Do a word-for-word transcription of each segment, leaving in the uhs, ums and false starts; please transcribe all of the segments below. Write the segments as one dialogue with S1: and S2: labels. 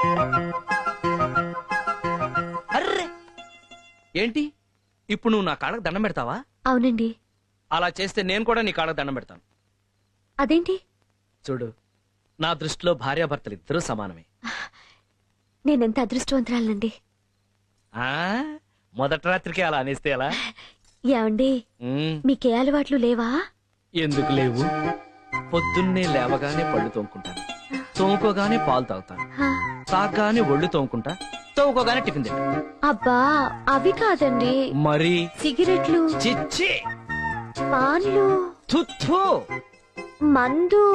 S1: Array ఏంటి ఇప్పుడు నువ్వు నా కాళ్ళకు దండం పెడతావా?
S2: అవునండి.
S1: అలా చేస్తే నేను కూడా నీ కాళ్ళకు దండం పెడతాను.
S2: అదేంటి?
S1: చూడు, నా దృష్టిలో భార్యాభర్తలు ఇద్దరూ సమానమే.
S2: నేనెంత అదృష్టవంతురాలండి.
S1: ఆ మొదటి రాత్రికి అలా అనేస్తే ఎలా?
S2: ఏమండి, మీకే అలవాట్లు లేవా?
S1: ఎందుకు లేవు? పొద్దున్నే లేవగానే పళ్ళు తోముకుంటాను, తోముకోగానే పాలు తాగుతాను, తాగగానే ఒళ్ళు తోముకుంటా, తోముకోగానే టిఫిన్ తింటా.
S2: అబ్బా అవి కాదండి.
S1: మరి
S2: సిగరెట్లు,
S1: చిచ్చి,
S2: పాన్లు,
S1: తుత్తు,
S2: మందు.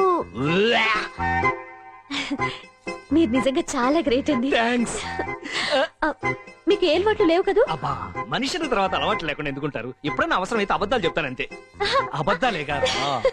S2: మీరు నిజంగా చాలా గ్రేట్ అండి.
S1: థాంక్స్.
S2: మీకు ఏ అలవాట్లు లేవు కదూ?
S1: అబ్బా, మనుషుల తర్వాత అలవాట్లు లేకుండా ఎందుకుంటారు? ఎప్పుడైనా అవసరం అయితే అబద్ధాలు చెప్తానంతే. అబద్ధాలే కాదు.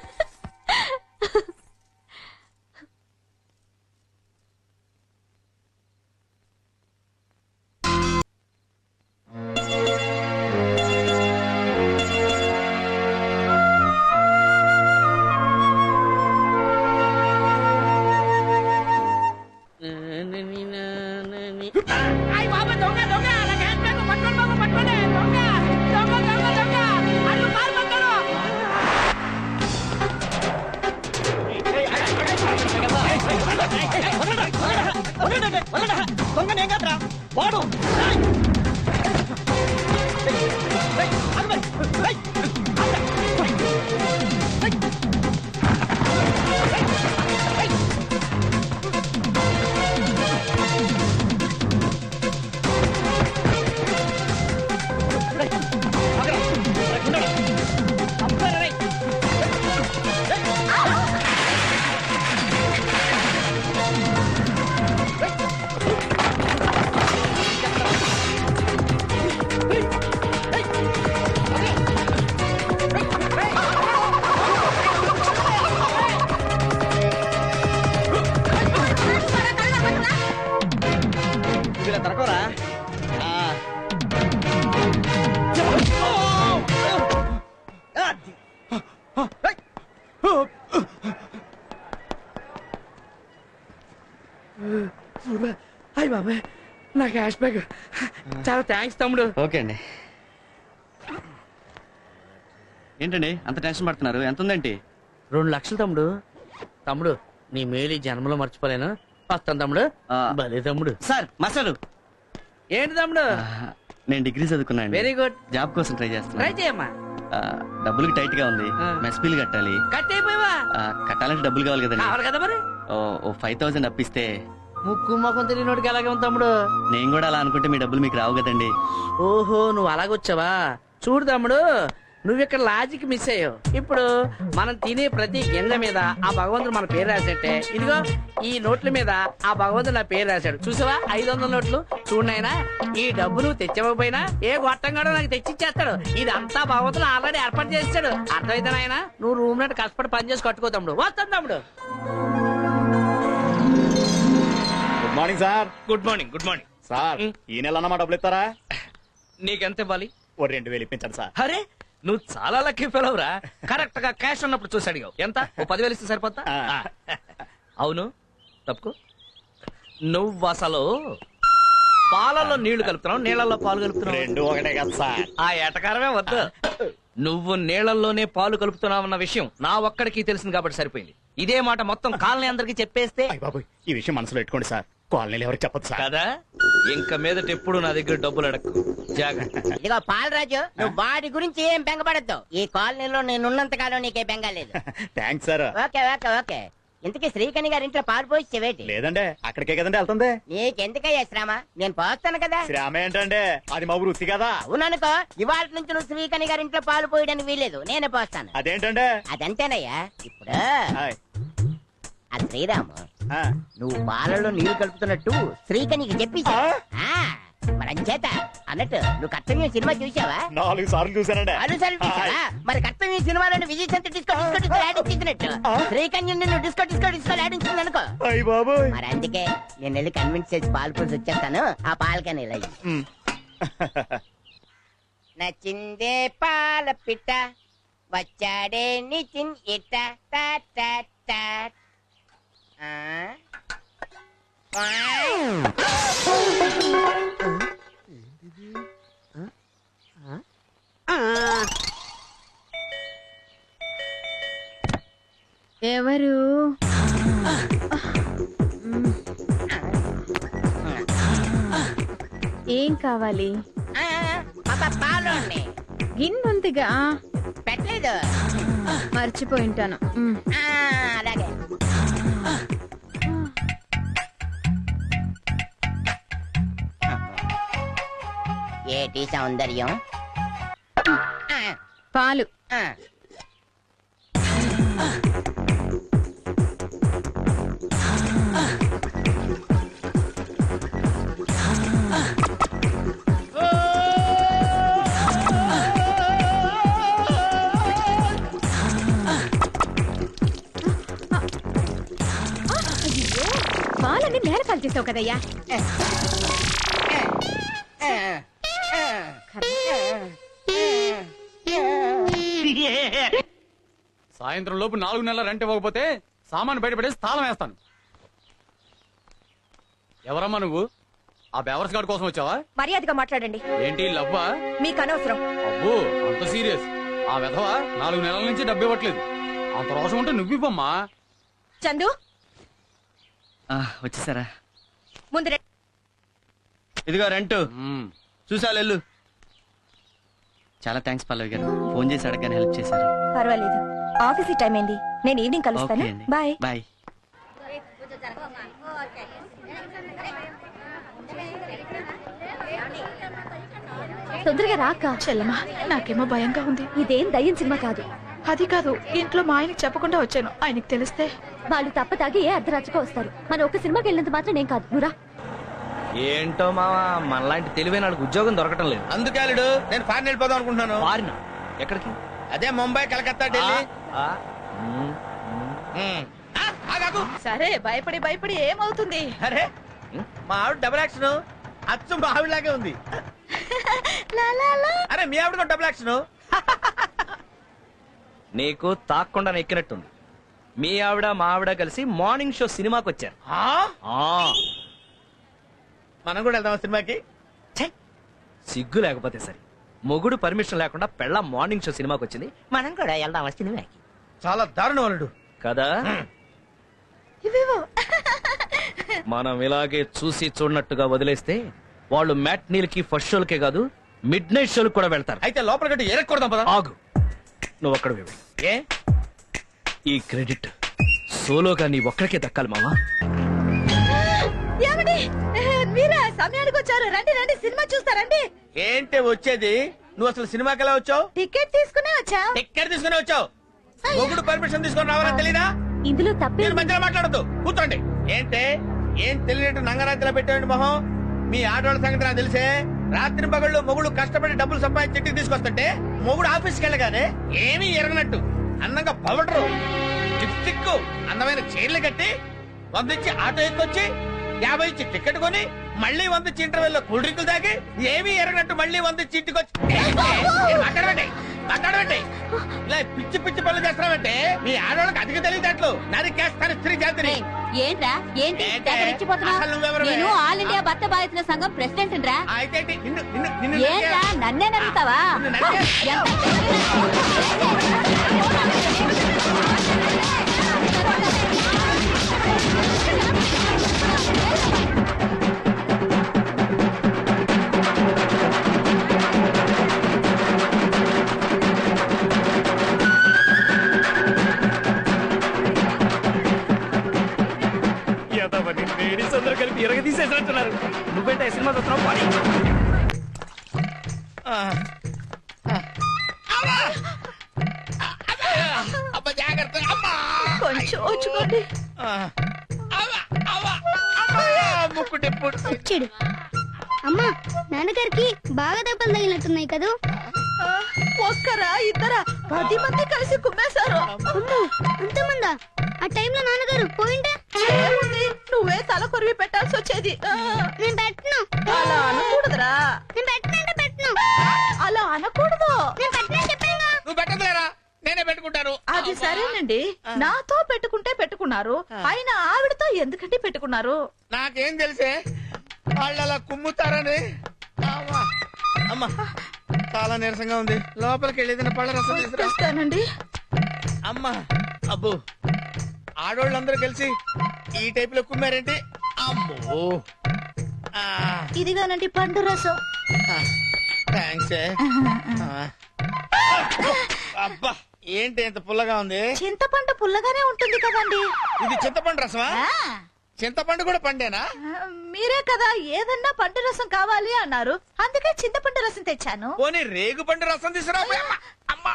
S1: వాడు తరకోరా. హాయ్ బాబాయ్, నా క్యాష్ బ్యాగ్. చాలా థ్యాంక్స్ తమ్ముడు.
S3: ఓకే అండి. ఏంటండి అంత టెన్షన్ పడుతున్నారు? ఎంత ఉందేంటి?
S1: రెండు లక్షలు తమ్ముడు. తమ్ముడు, నీ మేలు ఈ జన్మలో మర్చిపోలేను. వస్తాను తమ్ముడు. భలే తమ్ముడు.
S3: Sir master.
S1: ఏంటి తమ్ముడు?
S3: నేను డిగ్రీ చదువుకున్నాను.
S1: Very good.
S3: జాబ్ కోసం ట్రై చేస్తున్నా.
S1: ట్రై చేయమ్మా.
S3: డబ్బులకి టైట్ గా ఉంది. మెస్ బిల్ కట్టాలి.
S1: కట్టేపోయావా?
S3: కట్టాలంటే డబ్బులు కావాలి కదండి.
S1: కావాలి కదా మరి.
S3: ఓ ఫైవ్ థౌసండ్ అప్పిస్తే.
S1: ముక్కు మొఖం తెలియనోడికి అలాగే ఉంది తమ్ముడు.
S3: నేను కూడా అలా అనుకుంటే మీ డబ్బులు మీకు రావు కదండి.
S1: ఓహో, నువ్వు అలాగొచ్చావా? చూడు తమ్ముడు, నువ్వు ఇక్కడ లాజిక్ మిస్ అయ్యావు. ఇప్పుడు మనం తినే ప్రతి గింజ మీద ఆ భగవంతుడు మన పేరు రాసేట్టే. ఇదిగో ఈ నోట్ల మీద ఆ భగవంతుడు నా పేరు రాశాడు. చూసావా ఐదు వందల నోట్లు? చూడనైనా, ఈ డబ్బు నువ్వు తెచ్చకపోయినా ఏ గొట్టంగాడో నాకు తెచ్చిచ్చేస్తాడు. ఇదంతా భగవంతుడు ఆల్రెడీ ఏర్పాటు చేస్తాడు. అర్థమైతే నాయన, నువ్వు రూమ్ నట్టు కష్టపడి పని చేసి కట్టుకో తమ్ముడు. వస్తాను తమ్ముడు.
S4: Good morning sir.
S1: Good morning. Good morning
S4: sir. ఈ నెల అన్నమాట డబ్బులు ఇస్తారా?
S1: నీకెంత ఇవ్వాలి?
S4: ఓ రెండు వేలు ఇప్పించండి సార్.
S1: అరే, నువ్వు చాలా లక్కీ ఫెలవురా. కరెక్ట్ గా క్యాష్ ఉన్నప్పుడు చూసి అడిగావు. ఎంత? ఓ పదివేలు ఇస్తే సరిపోతా? అవును, తప్పుకో. నువ్వు అసలు పాలలో నీళ్లు కలుపుతున్నావు, నీళ్లలో పాలు కలుపుతున్నావు.
S4: రెండు ఒకటే కదా సార్.
S1: ఆ ఎటకారమే వద్దు. నువ్వు నీళ్లలోనే పాలు కలుపుతున్నావన్న విషయం నా ఒక్కడికి తెలిసింది కాబట్టి సరిపోయింది. ఇదే మాట మొత్తం కాలనీ అందరికి చెప్పేస్తే.
S4: బాబు, ఈ విషయం మనసులో పెట్టుకోండి సార్. కాలనీలు ఎవరికి చెప్పదు సార్.
S1: కదా, ఇంకా మీదట ఎప్పుడు నా దగ్గర డబ్బులు అడక్కు. జాగ్రత్త.
S5: ఇదిగో పాలరాజు, నువ్వు వాడి గురించి ఏం బెంగపడద్దు. ఈ కాలనీలో నేనున్నంత కాలం నీకే బెంగ లేదు.
S4: Thanks sir.
S5: Okay okay okay. ఇంతకీ శ్రీకణి గారి ఇంట్లో పాలు పోయిచ్చేవేటి?
S4: లేదండి, అక్కడికే కదండి వెళ్తుంది.
S5: నీకెందుకయ్యా శ్రమ? నేను పోస్తాను కదా.
S4: శ్రమ ఏంటండి, అది మా వృత్తి కదా.
S5: అవుననుకో, ఇవాళ నుంచి నువ్వు శ్రీకణి గారి ఇంట్లో పాలు పోయడానికి వీల్లేదు, నేనే పోస్తాను.
S4: అదేంటండి?
S5: అదంతేనయ్యా. ఇప్పుడు
S4: హాయ్.
S5: ఆ శ్రీరాము,
S4: ఆ,
S5: నువ్వు పాలలో నీళ్లు కలుపుతున్నట్టు శ్రీకణికి చెప్పి మరి అంచేత అన్నట్టు నువ్వు కర్తవ్యం సినిమా చూసావా?
S4: నాలుగు సార్లు చూసానండి.
S5: అనుసరి చూసావా? మరి కర్తవ్యం సినిమాలో విజయ్ సంత డిస్కో డిస్కో డిస్కో ఆడించినట్టు శ్రీకన్యం నిన్ను డిస్కో డిస్కో డిస్కో ఆడించింది అనుకో.
S4: అయ్య బాబోయ్.
S5: మరి అందుకే నేను వెళ్ళి కన్విన్స్ చేసి పాలు పోసి వచ్చేస్తాను. ఆ పాలకని ఇలా నచ్చిందే పాల పిట్ట వచ్చాడే నిచిన్ ఇట్ట టాట్ టాట్ టాట్. ఆ
S6: ఎవరు? ఏం కావాలి?
S5: ఆ, పాప పాలు అండి.
S6: గిన్నుందిగా
S5: పెట్టలేదు.
S6: మర్చిపోయింటాను. మ్.
S5: ఆ, అలాగే. ఏటి సౌందర్యం. ఆ,
S6: పాలు.
S5: ఆ.
S6: పాలన్నీ నేల పాలు చేసావు కదయ్యా.
S7: సాయంత్రం లోపు నాలుగు నెలల రెంట్ ఇవ్వకపోతే సామాను బయటపడేసి తాళం వేస్తాను. ఎవరమ్మా నువ్వు? ఆ బేవర్స్ గార్డ్ కోసం వచ్చావా?
S2: మర్యాదగా మాట్లాడండి.
S7: ఏంటి లవ్వా?
S2: మీకు అనవసరం.
S7: అబ్బో అంత సీరియస్. ఆ విధవ నాలుగు నెలల నుంచి డబ్బు ఇవ్వట్లేదు. అంత రోషం ఉంటే నువ్వివ్వమ్మా.
S2: చందు
S3: ఆ, వచ్చేసారా?
S2: ముందు రండి.
S3: ఇదిగో రెంట్
S7: మ్మ్.
S3: చూసా వెళ్ళు. చాలా థ్యాంక్స్ పల్లవి గారు, ఫోన్ చేసి అడగని హెల్ప్ చేశారు.
S2: పర్వాలేదు, ఆఫీస్ టైం అయింది. నేను ఈవినింగ్ కలుస్తాను.
S3: ఓకే అండి,
S2: బాయ్.
S3: బాయ్.
S2: తొందరగా రాక.
S8: చెల్లమ్మా, నాకేమో భయంగా ఉంది.
S2: ఇదేం దయ్యం సినిమా కాదు.
S8: అది కాదు, ఇంట్లో మా ఆయనకి చెప్పకుండా వచ్చాను. ఆయనకి తెలిస్తే
S2: వాళ్ళు తప్ప తాగి ఏ అర్ధరాత్రిగా వస్తారు. మన ఒక సినిమాకి వెళ్ళినంత మాత్రం నేను కాదు. నువ్వురా.
S1: ఏంటో మావా, మనలాంటి తెలివైన వాళ్ళకి ఉద్యోగం దొరకటం లేదు.
S9: అందుకే అల్లుడు నేను ఫారెన్ వెళ్ళిపోదాం అనుకుంటున్నాను.
S1: ఫారిన్ ఎక్కడికి?
S9: అదే ముంబై, కలకత్తా, ఢిల్లీ.
S1: ఆ, ఉమ్,
S9: ఉమ్. ఆ, ఆగాగు.
S8: సరే, భయపడి భయపడి ఏమవుతుంది?
S9: అరే మా ఆవిడ డబుల్ యాక్షన్ అచ్చు మా ఆవిడలాగే ఉంది. అరే మీ ఆవిడ కూడా డబుల్ యాక్షన్.
S1: నీకు తాక్కుండా ఎక్కినట్టుంది. మీ ఆవిడ మా ఆవిడ కలిసి మార్నింగ్ షో సినిమాకి వచ్చారు.
S9: ఆ?
S1: ఆ,
S9: మనం కూడా వెళ్దాం సినిమాకి.
S1: సిగ్గు లేకపోతే సరే, మొగుడు పర్మిషన్ లేకుండా పెళ్ళ మార్నింగ్ షో సినిమాకి వచ్చింది.
S5: మనం కూడా వెళ్దాం సినిమాకి.
S9: చాలా దారుణం అల్లుడు.
S1: కదా మనం ఇలాగే చూసి చూడనట్టుగా వదిలేస్తే వాళ్ళు మ్యాట్నీలకి ఫస్ట్ షోలకే కాదు, మిడ్ నైట్ షోలకు కూడా వెళ్తారు.
S9: అయితే లోపల గట్టి ఎరక్కూడదాం పదా.
S1: ఆగు, నువ్వు అక్కడ
S9: ఏ
S1: ఈ క్రెడిట్ సోలోగా నీ ఒక్కడికే దక్కాలి మావా.
S8: మీరా సమయానికి వచ్చారు. రండి రండి, సినిమా చూస్తారండి.
S9: ఏంటి వచ్చేది? నువ్వు అసలు సినిమాకి ఎలా వచ్చావు?
S8: టికెట్ తీసుకునే వచ్చా.
S9: టికెట్ తీసుకుని వచ్చావు. మొగుడు పర్మిషన్ తీసుకొని రావాలని తెలీదా?
S2: ఇందులో తప్పే
S9: మీరు మధ్యలో మాట్లాడద్దు, కూర్చోండి. ఏంటే ఏం తెలియనట్టు నంగరాత్రిలో పెట్టండి మొహం. మీ ఆడవాళ్ళ సంగతి నాకు తెలిసే. రాత్రి పగళ్ళు మొగుడు కష్టపడి డబ్బులు సంపాదించి ఇంటికి తీసుకొస్తుంటే మొగుడు ఆఫీస్కి వెళ్ళగానే ఏమీ ఎరగనట్టు అందంగా పవడరు, లిప్స్టిక్, అందమైన చీరలు కట్టి వందించి ఆటో ఎక్కొచ్చి యాభై ఇచ్చి టికెట్ కొని మళ్ళీ వందించి ఇంటర్వెల్లో కూల్ డ్రింకులు తాగి ఏమీ ఎరగనట్టు మళ్ళీ వందించి ఇంటికి వచ్చి మాట్లాడబెట్టి మాట్లాడబెట్టి ఇలా పిచ్చి పిచ్చి పనులు చేస్తున్నామంటే మీ ఆడవాళ్ళకి అధిక తెలియదట్లు నరికేస్తారు స్త్రీ జాతిని.
S2: ఏంట్రా? ఏంటి
S9: ఏంటే?
S2: తెగ రెచ్చిపోతున్నావ్?
S9: అసలు నువ్వెవరివే?
S2: నేను ఆల్ ఇండియా భర్త బాధితుల సంఘం ప్రెసిడెంట్ రా.
S9: అయితే ఏంటి? నిన్ను నిన్ను నిన్ను
S2: ఏంట్రా నన్నే నమ్ముతావా?
S9: నిన్ను నరికే-
S1: లేడీస్ అందరూ కలిపి ఇరగ తీసేసినట్టున్నారు. నువ్వేంటే సినిమా చూస్తున్నావు? పాడి.
S9: అబ్బా జాగ్రత్త. అమ్మా
S8: కొంచెం వచ్చుకోండి.
S9: అవ్వ, అవ్వ, అమ్మా! ముక్కు టెప్పుడు.
S10: వచ్చాడు. అమ్మా, నాన్నగారికి బాగా దెబ్బలు తగిలినట్టున్నాయి కదూ.
S8: ఒక్కరా ఇద్దరా పది మంది కలిసి కుమ్మేశారు.
S10: అమ్మో, అంతమందా? ఆ టైంలో నాన్నగారు పోయింటే
S8: ఏముంది, నువ్వే తల కొరివి పెట్టాల్సి వచ్చేది. ఆ,
S10: నేను పెట్టను.
S8: అలా అనకూడదురా.
S10: నేను పెట్టనంటే పెట్టను.
S8: అలా అనకూడదు.
S10: నేను పెట్టనని చెప్పానుగా.
S9: నువ్వు పెట్టదులేరా, నేనే పెట్టుకుంటాను.
S8: అది సరేనండి, నాతో పెట్టుకుంటే పెట్టుకున్నారు, అయినా ఆవిడతో ఎందుకంటే పెట్టుకున్నారు?
S9: నాకేం తెలిసే వాళ్ళు అలా కుమ్ముతారని అమ్మా. అమ్మా చాలా నీరసంగా ఉంది, లోపలికి వెళ్ళి ఏదైనా పళ్ళ రసం తీసుకురా.
S8: తెస్తానండి.
S9: అమ్మా అబ్బో, ఆడోళ్ళందరూ కలిసి ఈ టైప్ లో కుమ్మారేంటి? అమ్మో. ఆ,
S8: ఇదిగానండి పండు రసం.
S9: థాంక్స్ ఏ. ఆ. అబ్బా ఏంటి ఎంత పుల్లగా ఉంది?
S8: చింతపండు పుల్లగానే ఉంటుంది కదండి.
S9: ఇది చింతపండు రసమా?
S8: ఆ,
S9: చింతపండు కూడా పండేనా?
S8: మీరే కదా ఏదన్నా పండు రసం కావాలి అన్నారు, అందుకే చింతపండు రసం తెచ్చాను.
S9: పోనీ రేగు పండు రసం తీసుకురా. అమ్మా, అమ్మా.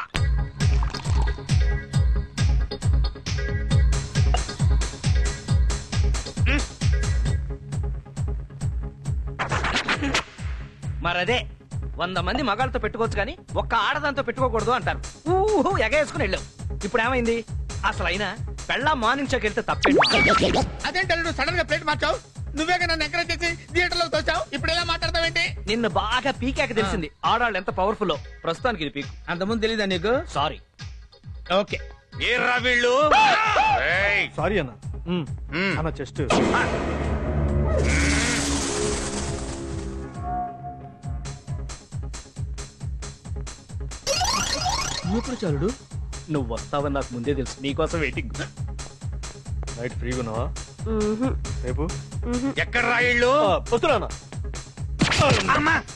S1: మరదే వంద మంది మగాళ్ళతో పెట్టుకోవచ్చు కానీ ఒక్క ఆడదాంతో పెట్టుకోకూడదు అంటారు. ఊహు ఎగేసుకుని వెళ్ళావు. ఇప్పుడు ఏమైంది? అసలు అయినా పెళ్ళా మార్నింగ్ షోకి వెళ్తే తప్పేంటి?
S9: అదేంటి నువ్వు సడన్ గా ప్లేట్ మార్చావు? నువ్వే నన్ను ఎంకరేజ్ చేసి థియేటర్ లో తోచావు. ఇప్పుడు ఎలా మాట్లాడతావేంటి?
S1: నిన్ను బాగా పీకాక తెలిసింది ఆడాళ్ళు ఎంత పవర్ఫుల్. ప్రస్తుతానికి ఇది పీకు.
S9: అంతకుముందు తెలీదా నీకు?
S1: సారీ.
S9: ఓకే. ఏర్రా వీళ్ళు?
S4: సారీ అన్న అన్న చెస్ట్
S1: ఎప్పుడు చాలుడు నువ్వు వస్తావని నాకు ముందే తెలుసు. నీకోసం వెయిటింగ్.
S4: నైట్ ఫ్రీగా ఉన్నావా రేపు?
S9: ఎక్కడ రా వీళ్ళు?
S4: వస్తున్నా
S9: అమ్మా